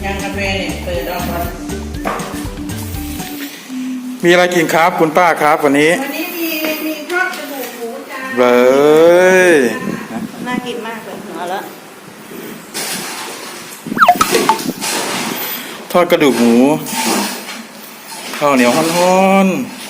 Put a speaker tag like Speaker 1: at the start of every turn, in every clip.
Speaker 1: ยังกาแฟเนี่ยเปิดออกก่อน
Speaker 2: มีอะไรกินครับคุณป้าครับวันนี้
Speaker 1: มีทอดกระดูกหมูจ้า
Speaker 2: เลย
Speaker 1: น่ากินมากเลยเอาละ
Speaker 2: ทอดกระดูกหมูข้าวเหนียวฮ้อน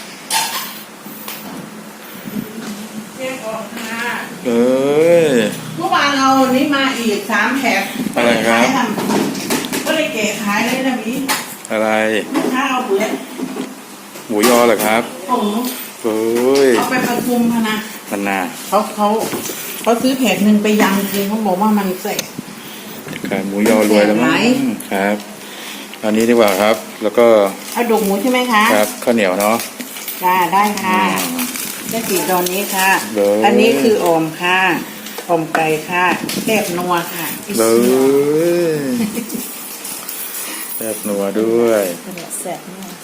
Speaker 1: เมื่อวานเรานี่มาอีก3 แถบ
Speaker 2: อะไรครับ
Speaker 1: ก็เลยเก๋ขายเลยนะพี่
Speaker 2: อะไร
Speaker 1: ข้าวเบื่อ
Speaker 2: หมูยอเหรอครับเฮ้ย
Speaker 1: เอาไปประชุมพนะ
Speaker 2: พันนา
Speaker 1: เขาซื้อแผงหนึ่งไปยำจริงเขาบอกว่ามันเสร็จ
Speaker 2: ครับหมูยอรวยแล้วมั้งครับอันนี้ดีกว่าครับแล้วก็
Speaker 1: เอาดกหมูใช่ไหมคะ
Speaker 2: ครับข้าวเหนียวเนาะ
Speaker 1: ได้ค่ะได้กี่ตอนนี้ค่ะอันนี้คืออมค่ะอมไก่ค่ะแซ่บนัวค่ะ
Speaker 2: เลยแซ่บนัวด้วย
Speaker 1: แซ่บนัว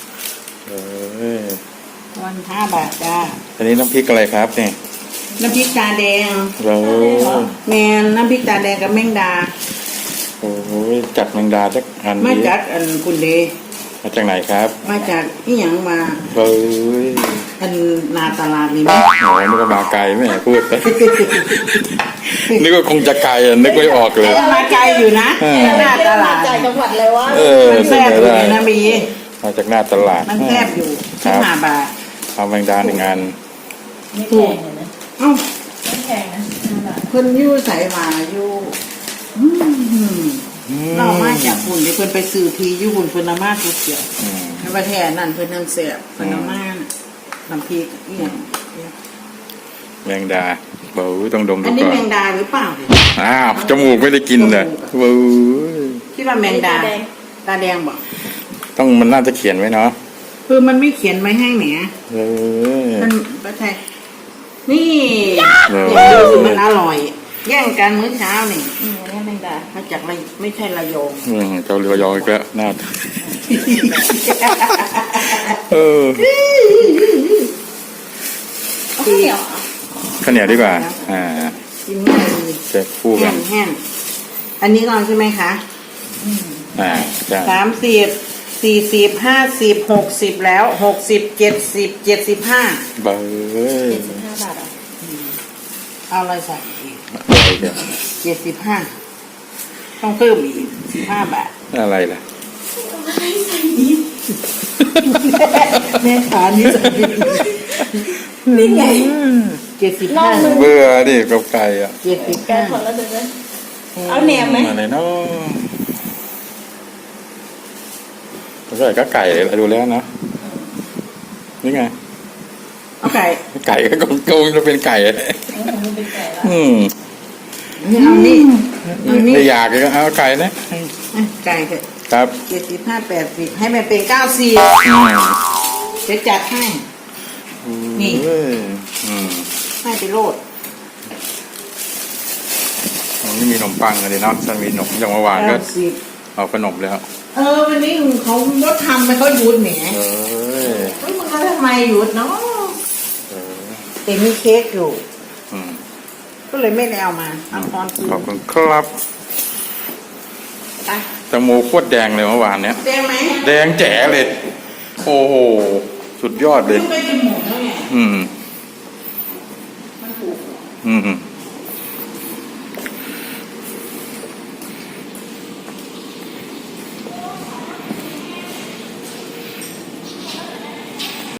Speaker 1: วัน5 บาทจ้า
Speaker 2: อันนี้น้ำพริกอะไรครับเนี่ย
Speaker 1: น้ำพริกตาแดงแมนน้ำพริกตาแดงกับแมงดา
Speaker 2: โอ้ยจัดแมงดาจักอัน
Speaker 1: มาจากอันคุณเด
Speaker 2: มาจากไหนครับ
Speaker 1: มาจากที่หยังมาอันนาตลาดนี่มั้ย
Speaker 2: โอ้นึกว่ามาไกลไม่พูดนึกว่าคงจะไกลนึกไม่ออกเลย
Speaker 1: มาไกลอยู่นะหน้าตลาดจากจังหวัดเลยวะมันแซ่บอยู่นะบี
Speaker 2: มาจากหน้าตลาด
Speaker 1: มันแซ่บอยู่5 บาท
Speaker 2: เอาแมงดา1 อัน
Speaker 1: ไม่แพงนะไม่แพงนะเพิ่นยู่ใส่มาอยู่เรามาจากคุณเดี๋ยวเพิ่นไปซื้อทีอยู่คุณเพิ่นมาทุกเกี่ยวในประเทศนั่นเพิ่นนั่งเสียบเพิ่นมาน้ำพริกเนี่ย
Speaker 2: แมงดาเบาต้องดมดูก่อน
Speaker 1: อันนี้แมงดาหรือเปล่า
Speaker 2: อ้าวจมูกไม่ได้กินเลยเบา
Speaker 1: คิดว่าแมงดาตาแดงบอก
Speaker 2: ต้องมันน่าจะเขียนไว้เนาะ
Speaker 1: คือมันไม่เขียนไว้ให้แหมมันประเทศนี่มันอร่อยแย่งกันมื้อเช้านี่นี่แมงดามาจากอะไรไม่ใช่ระยอง
Speaker 2: เจ้าระยองอีกแล้วน่า
Speaker 1: ข้าวเหนียว
Speaker 2: ข้าวเหนียวดีกว่า
Speaker 1: กินง่ายดี
Speaker 2: เจ็บคู่กัน
Speaker 1: แห้งอันนี้ก่อนใช่ไหมคะ30 40 50 60แล้ว60 70 75
Speaker 2: เบอร์
Speaker 1: 75 บาทเอาอะไรใส่75ต้องเพิ่มอีก15 บาท
Speaker 2: อะไรล่ะ
Speaker 1: แม่ขานี่จะนี่ไง75
Speaker 2: เบื่อดิกับไก่อ่ะ
Speaker 1: 75คนละเดือนเอาแหนมไหม
Speaker 2: อะไรเนาะใส่ก็ไก่เลยดูแล้วนะนี่ไง
Speaker 1: เอาไก่
Speaker 2: ก็คงจะเป็นไก่
Speaker 1: เอานี่
Speaker 2: ไม่อยากก็เอาไก่นะ
Speaker 1: ไก่
Speaker 2: ครับ
Speaker 1: 75 80ให้มันเป็น94จะจัดให้นี่ให้ไปโลด
Speaker 2: นี่มีขนมปังเลยเนาะจะมีขนมอย่างเมื่อวานก็เอาขนมแล้ว
Speaker 1: วันนี้เขาลดทำไปเขาหยุดแหมมึงเขาทำไมหยุดเนาะแต่มีเค้กอยู่ก็เลยไม่ได้เอามา
Speaker 2: ขอบคุณครับแตงโมโคตรแดงเลยเมื่อวานเนี้ย
Speaker 1: แดงไหม
Speaker 2: แดงแจ๋เลยโอ้โหสุดยอดเลย
Speaker 1: ไม่กินหมดแล้วไง